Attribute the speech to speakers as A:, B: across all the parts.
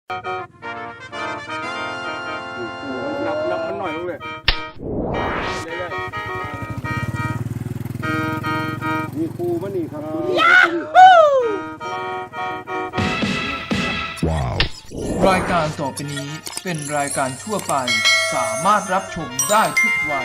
A: นับมันหน่อยลงเลยมีครูมันนี่ครับ
B: รายการต่อไปนี้เป็นรายการทั่วไปสามารถรับชมได้ทุกวัย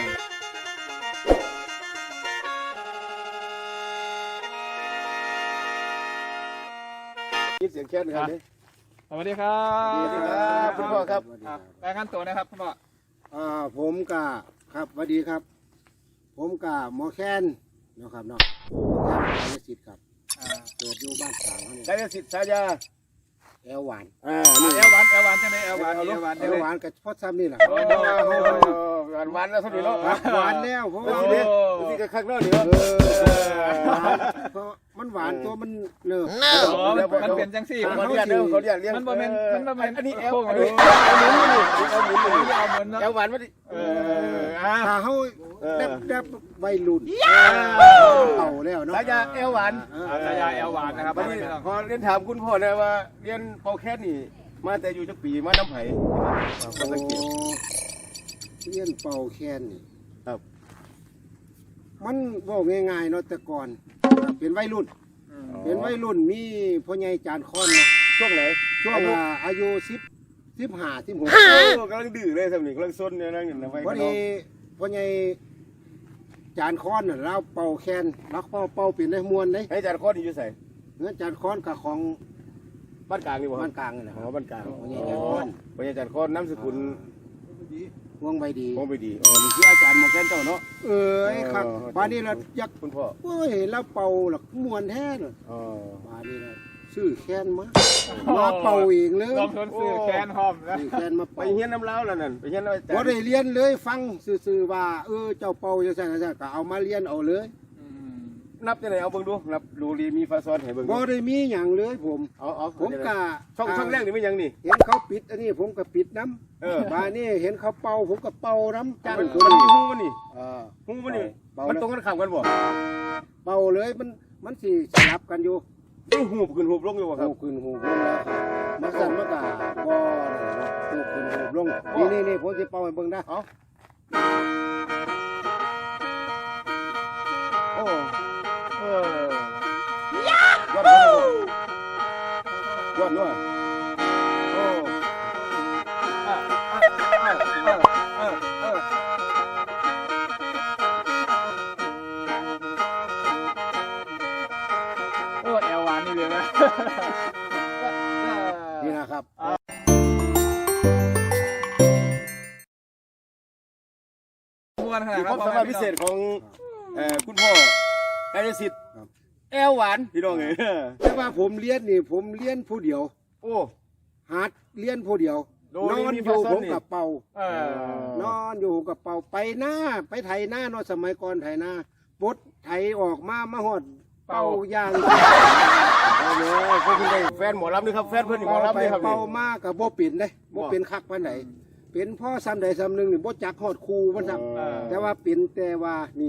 A: ยินเสียงแค่นครับ
C: สวัสดีครับ
A: สวัสดีครับคุณพ่อครับ
C: รายงานตัวนะครับคุณพ่อ
A: ผมกะครับสวัสดีครับ ผมกะหมอแคนนะครับเนาะแคนกายสิทธิ์ครับเกิดอยู่บ้านสางเขาเนี่ยกายสิทธิ์สายาแอลหวาน
C: นี่แอลหวานจังเลยแอลหวาน
A: กับพ่อซ้ำนี่แหละ
C: หวานแล้วสุดเลยเนาะ
A: หวานแล้วเพราะว่านี่ก็ข้างนอกนี่เพราะมันหวานตัวมันเนื้อ
C: มันเป็นจังซี่
A: เขาเรียก
C: มันบ่แม่น
A: อันนี้แอลหวานมาดิถ้าเขาได้วัยรุ่นเต่าแล้วเนาะสายาแอลหวาน
C: สายาแอลหวานนะครับ
A: พอเรียนถามคุณพ่อนะว่าเรียนเป่าแค่นี่มาแต่อยู่จักปีมาน้ำไผ่เรียนเป่าแค่นี่ครับมันบอกง่ายๆเนาะแต่ก่อนเป็นวัยรุ่นมีพ่อใหญ่จานค้อนนะช่วงไหนช่วงอายุ15 16กำลังดื้อเลยสมัยกำลังซนเนี่ยนั่งอยู่ในวัยพอดีพ่อใหญ่จานค้อนน่ะเราเป่าแคนเราเป่าเป็นได้มวนได้ให้จานค้อนอยู่ใส่เงินจานค้อนกับของบ้านกลางนี่บ่บ้านกลางนี่แหละบ้านกลางพ่อใหญ่จานค้อนน้ำสกุลวงใบดีนี่คืออาจารย์หมอแคนเจ้าเนาะครับป่านนี้เราอยากคุณพ่อโอ้ยเราเป่าหลักมวนแท้เลยป่านนี้เราซื้อแคนมาเป่าเองเลย
C: ลองทนซื้อแคนหอมนะ
A: แคนมาไปเฮียนน้ำเล้าแล้วนั่นไปเฮียนบ่ได้เรียนเลยฟังซื่อๆว่าเจ้าเป่าจังซั่นก็เอามาเรียนเอาเลยนับจังได๋เอาเบิ่งดูนับดูรีมีฟาซอนให้เบิ่งบ่ได้มีหยังเลยผมผมกะช่องแรกนี่มีหยังนี่เห็นเขาปิดอันนี้ผมก็ปิดน้ำบ้านนี้เห็นเขาเป่าผมก็เป่าน้ำจ้างคนนี้ฮู้มันนี่ฮู้มันนี่มันตรงกันข้ามกันบ่เป่าเลยมันสิสลับกันอยู่หูบขึ้นหูบลงอยู่บ่ครับหูขึ้นหูบลงแล้วมันสั่นมันก็บ่หูขึ้นหูบลงนี่ผมสิเป่าให้เบิ่งได้ยอดด้วย
C: แอลหวานนี่เลยนะ
A: นี่นะครับความสามารถพิเศษของคุณพ่อกายสิทธิ์แอลหวานพี่น้องเลยแต่ว่าผมเรียนผู้เดียวหัดเรียนผู้เดียวนอนอยู่ผมกับเป่านอนอยู่กับเป่าไปหน้าไปไถหน้าเนาะสมัยก่อนไถหน้าปดไถออกมาหอดเป่ายางเขาเป็นแฟนหมอลำนี่ครับแฟนเพื่อนหมอลำนี่ครับเป่ามากกับโบปิ่นเลยโบเป็นคักปานไหนเป็นพ่อซ้ำใดซ้ำหนึ่งนี่โบจักหอดคูมันซ้ำแต่ว่าเป็นแต่ว่านี่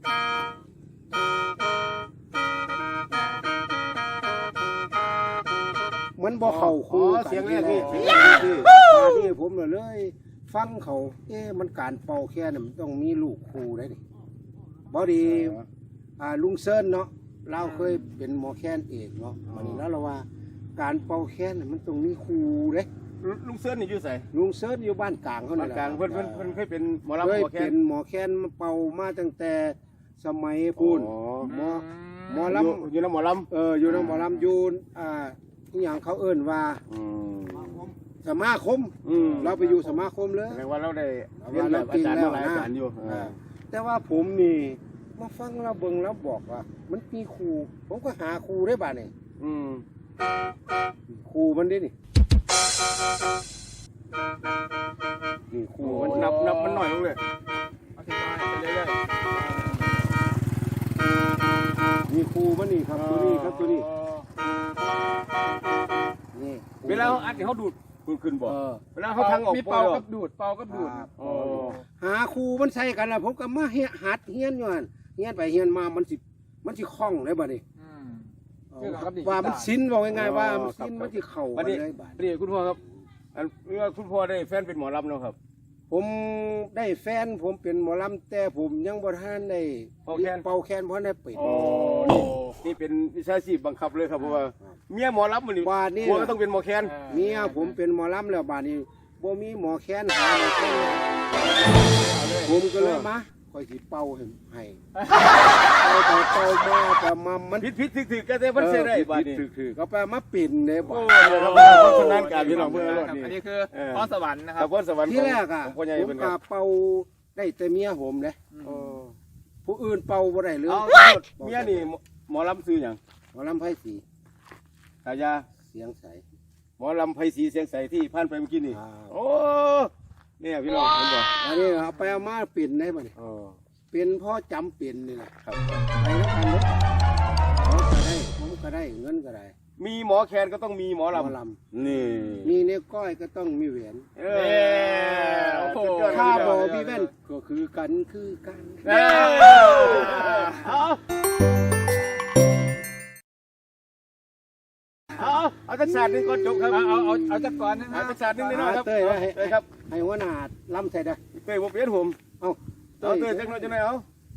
A: มันบ่เข่าคูเสียงแรกนี่ผมเลยฟังเขามันการเป่าแค่นั้นมันต้องมีลูกคูได้ดิบอดีลุงเซิร์นเนาะเราเคยเป็นหมอแคนเอกเนาะวันนี้แล้วเราว่าการเป่าแคนมันต้องมีคูเด้ลุงเซิร์นนี่อยู่ไสลุงเซิร์นอยู่บ้านกลางเขาเนี่ยบ้านกลางเพิ่นเคยเป็นหมอลำเคยเป็นหมอแคนมาเป่ามาตั้งแต่สมัยพูนหมอลำอยู่ในหมอลำอยู่ในหมอลำอยู่ทุกอย่างเขาเอิ้นว่าสมาคมเราไปอยู่สมาคมเลยแปลว่าเราได้เรียนแบบอาจารย์มาหลายอาจารย์อยู่แต่ว่าผมนี่มาฟังเราเบิ่งแล้วบอกว่ามันมีครูผมก็หาครูได้บ้านี่ครูมันดินี่ครูมันนับมันหน่อยลงเลยมีครูมันนี่ครับตัวนี้ครับตัวนี้เวลาเขาอัดเขาดูดขึ้นบ่เวลาเขาทางออกมีเป่ากับดูดหาครูมันใส่กันนะผมก็มาหัดเฮียนอยู่เฮียนไปเฮียนมามันสิคล่องเลยบ่นี่ว่ามันสิ้นบอกง่ายๆว่าสิ้นมันสิเข่าเลยบ่นี่คุณพ่อครับ
D: อันเมื่อคุณพ่อได้แฟนเป็นหมอลำเนาะครับ
A: ผมได้แฟนผมเป็นหมอลำแต่ผมยังบ่ทันได้เป่าแคนเพราะได้ปิด
D: โอ้นี่เป็นวิชาชีพบังคับเลยครับเพราะว่าเมียหมอลำมันนี่
A: ว่านี่
D: ผัวก็ต้องเป็นหมอแคน
A: เมียผมเป็นหมอลำแล้วบาดนี้บ่มีหมอแคนหาหมอแคนผมก็เลยมาคอยสิเป่าให้เป่ามาแต่มามัน
D: ผิดถึกๆก็ได้มันเสียได้บาดนี้
A: คือก็ไปมาปิ่นเลยบ่
D: โอ้ยครับเพราะฉะนั้นการพี่น้องเพื่อนรถ
C: อั
D: นี่
C: นนี้คือพรสวรรค์นะค
D: ค
C: รั
D: รั
C: บบ
D: พรสวรรค์
A: ที่แรกอ่ะ
D: ของพ่อใหญ่
A: ผม
D: เป็นค
A: ก็
D: รับ
A: เป่าได้แต่เมียผมเด้
D: โอ้
A: ผู้อื่นเป่าบ่ได้เลย
D: เอาเมียนี่หมอลำซื้อหยัง
A: หมอลำไผ่สี
D: ตายา
A: เสียงใส
D: หมอลำไพศรีเสียงใสที่ผ่านไปเมื่อกี้นี่
A: อ่า
D: โอ้เนี่ยพี่น้องเห็นบ่
A: อันนี้เอาไปเอามาปิ่นได้บ่นี่
D: อ๋อ
A: เป็นพ่อจำปิ่นนี่แหละ
D: ครับ
A: ไปแล้วกันเด้อเขาก็ได้ผมก็ได้เงินก็ได้
D: มีหมอแคนก็ต้องมีหมอ
A: หมอ
D: ลำ
A: ล
D: นี่
A: ำมีเนี่ยก้อยก็ต้องมีแหวน
D: เอ
C: โอ้โห
D: สุดยอด
A: ถ้า
D: เลย
A: บอ
D: พี่
A: พี่แว่นก็คือกันคือกัน
C: เอ้ย
D: เอาจักรสานนึงก่อนจบครับ
C: เอาจักก่อนนะค
D: เอา
C: รับ
D: จักรสานนึงนิดหน่อยครับ
A: เต้ยไว้ให้
D: เต้ยครับ
A: ให้หัวหน้าลำใส่ได้
D: เต้ยบ่เปลี่ยนผม
A: เอา
D: เอาเต้ยจักหน่อยจังได๋เอา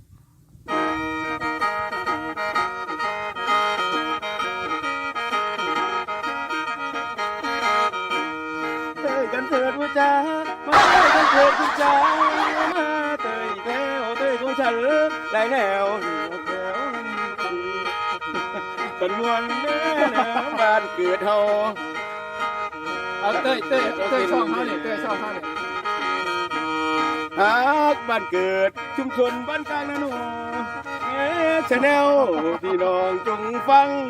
D: เต้ยกันเถิดว่าจ้ามาเต้ยกันเถิดคุณจ้ามาเต้ยแก้วเต้ยของฉันได้แนวแก้วกันมวนแม่น้ำบ้านเกิดเฮา
C: เอาเต้ยช่องเขาเนี่ยเต้ยช่องเขาเนี่ย
D: ฮักบ้านเกิดชุมชนบ้านกลางนาหนูชาแนลพี่น้องจงฟัง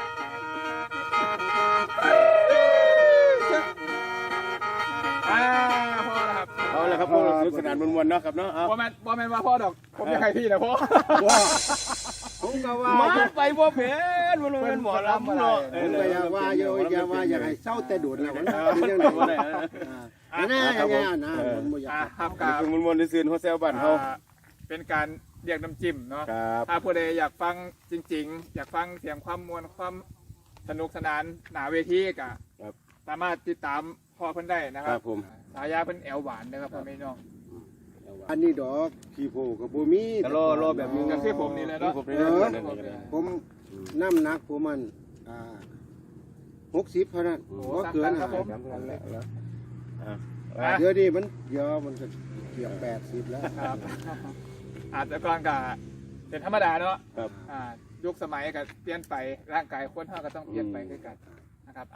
C: พ่อนะครับ
D: เอาละครับพวกเราสนุกสนานมวลๆเนาะครับเนาะเอา
C: บ่แม่นว่าพ่อดอกผมจะใครพี่นะพ่อ
A: ว่าผมก็ว่า
D: มาไปบ่เพนมันเป็นหมอลำเนาะ
A: ผมก็อย่าว่าอย่าว่าอย่าให้เศร้าแต่โดดแล้วมันเป็นยังไง
D: บ่ได้
A: อันนั้นอย่างเงี้ยนะผมบ่อยาก
C: ครับ
D: กับมวลๆซื่อๆหัวแซวบ้านเฮา
C: เป็นการเรียกน้ำจิ้มเนาะ
D: ครับ
C: ถ้าผู้ใดอยากฟังจริงๆ อยากฟังเสียงความมวลความสนุกสนานหนาเวทีก็
D: ครับ
C: สามารถติดตามพ่อเพิ่นได้นะค
D: ค
C: รั
D: รั
C: บบ
D: ผม
C: ฉายาเพิ่นแอวหวานนะครับพ่อแม่น้อง
A: อันนี้ดอกขี้โพกับบ่มี
D: ก็รอแบบนี้
C: ก็คือผมนี่แหละเนาะ
D: ผมนี่แหละนั่นนี่
A: ผมน้ำหนักผมมัน60เท่านั้นบ่เกิน
C: ครับผม
D: จำกันแล้ว
A: เดี๋ยวนี้มันเดี๋ยวมันก็เกือบ80แล้ว
C: ครับอาจจะก่อนก็เป็นธรรมดาเนาะ
D: ครับ
C: ยุคสมัยก็เปลี่ยนไปร่างกายคนเฮาก็ต้องเปลี่ยนไปด้วยกันนะครับ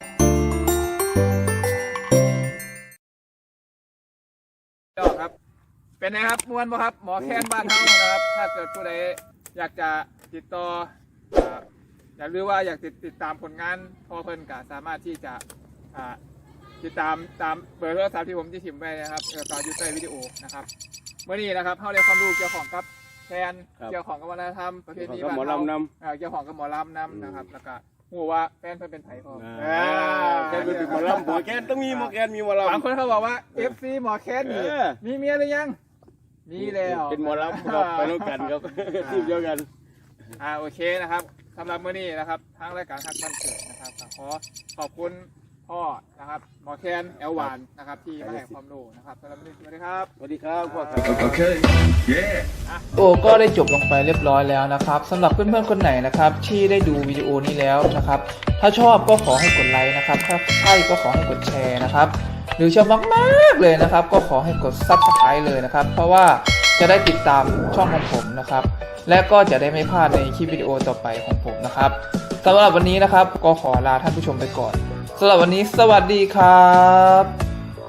C: ครับเป็นไงครับมวนบ่ครับหมอแค้นบ้านเฮานะครับ ถ้าเกิดผู้ใดอยากจะติดต่ออยากรู้ว่าอยากติดตามผลงานพ่อเพิ่นก็สามารถที่จะติดตามเบอร์โทรศัพท์ที่ผมที่ถิ่มไว้นะครับต่ออยู่ใต้วิดีโอนะครับเมื่อนี้นะครับเฮาได้ความรู้เกี่ยวของกับแคนเกี่ยวของกับวัฒนธรรมประเพณี
D: กับ
C: บ้าน
D: หมอ
C: เฮา
D: ลำนำ
C: เกี่ยวของกับหมอลำนำนะครับแล้วก็หัวว่าแฟนเพิ่นเป็นไผพอ
D: แกเป็นหมอลำหมอแคนต้องมีหมอแคนมีหมอลำ
C: บางคนเขาบอกว่า FC หมอแคนนี่
D: เออ
C: มีเมียหรือยังมีแล้ว
D: เป็นหมอลำครับไปแล้วกันครับทีมเดียวกัน
C: โอเคนะครับสำหรับมื้อนี้นะครับทางรายการฮักบ้านเกิดนะครับก็ขอขอบคุณพ่อนะครับหมอแคนแอลหวานนะครับที่มาให้ความรู้นะครับสำหรับมื้อนี้สวัสดีครับ
D: สวัสดีครับพ่อครับ
B: Okay. Yeah.
E: โอ้ก็ได้จบลงไปเรียบร้อยแล้วนะครับสำหรับเพื่อนๆคนไหนนะครับที่ได้ดูวิดีโอนี้แล้วนะครับถ้าชอบก็ขอให้กดไลค์นะครับถ้าใช่ก็ขอให้กดแชร์นะครับหรือชอบมากๆเลยนะครับก็ขอให้กด Subscribe เลยนะครับเพราะว่าจะได้ติดตามช่องของผมนะครับและก็จะได้ไม่พลาดในคลิปวิดีโอต่อไปของผมนะครับสำหรับวันนี้นะครับก็ขอลาท่านผู้ชมไปก่อนสำหรับวันนี้สวัสดีครับ